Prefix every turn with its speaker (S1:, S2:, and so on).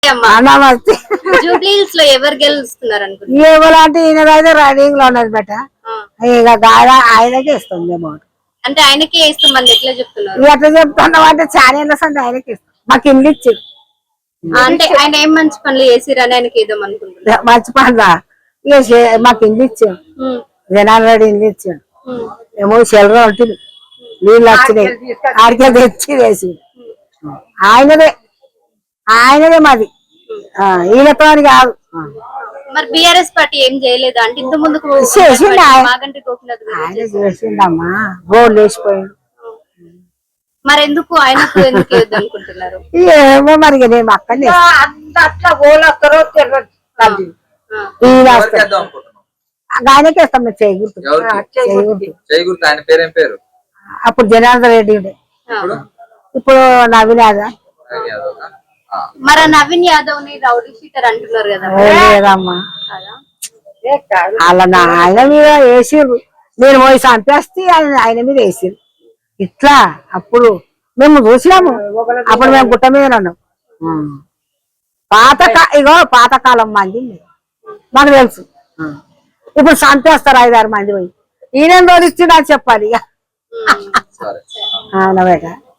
S1: నమస్తే.
S2: జూబ్లీహిల్స్ లో ఎవరు గెలుస్తున్నారు అనుకుంటున్నారు?
S1: ఎవరంటే ఈయనదైతే రైడింగ్ లో ఉన్నది బెట ఇక ఆయనకే ఇస్తాం మేము.
S2: అంటే ఆయనకే ఇస్తామని ఎట్లా చెప్తున్నారు?
S1: ఎట్లా చెప్తున్నాం అంటే ఛానల్ అంటే ఆయనకి ఇస్తాం. మాకు ఇల్లు ఇచ్చారు.
S2: అంటే ఆయన ఏం మంచి పనులు చేసిరని ఆయనకి ఇద్దాం అనుకుంటున్నారు.
S1: మంచి పనులా ఇక మాకు ఇల్లు ఇచ్చాం. జనాలు రెడ్డి ఇల్లు ఇచ్చాం. ఏమో చెల్లర ఉంటుంది నీళ్ళు వచ్చినాయి ఆడికే తెచ్చి వేసి ఆయనదే మాది. ఈయనతో కాదు.
S2: మరి బిఆర్ఎస్ పార్టీ ఏం చేయలేదా అంటే ఇంత ముందుకు
S1: చేసిండమ్మా గోల్డ్ వేసిపోయాడు.
S2: మరి ఎందుకు ఆయనకు ఎందుకు అనుకుంటున్నారు?
S1: ఏమో మరి నేను అక్కడనే అట్లా గోల్ వస్తారో ఆయనకే ఇస్తాం. మేము చేయకూడదు.
S3: ఆయన పేరేం పేరు?
S1: అప్పుడు జనార్దన్ రెడ్డి ఇప్పుడు నవీన్ యాదవ్.
S2: మరి నవీన్ యాదవ్ ని రౌడీ షీటర్ అంటున్నారు కదా?
S1: లేదమ్మా అలా ఆయన మీద వేసిర్రు. నేను పోయి చంపేస్తే ఆయన మీద వేసిర్రు ఇట్లా. అప్పుడు మేము చూసినాము. అప్పుడు మేము గుట్ట మీద ఉన్నాం. పాతకాలం మంది మాకు తెలుసు. ఇప్పుడు చంపేస్తారు 5-6 మంది పోయి. ఈయన రోజు ఇచ్చిండు అని చెప్పాలి ఇక.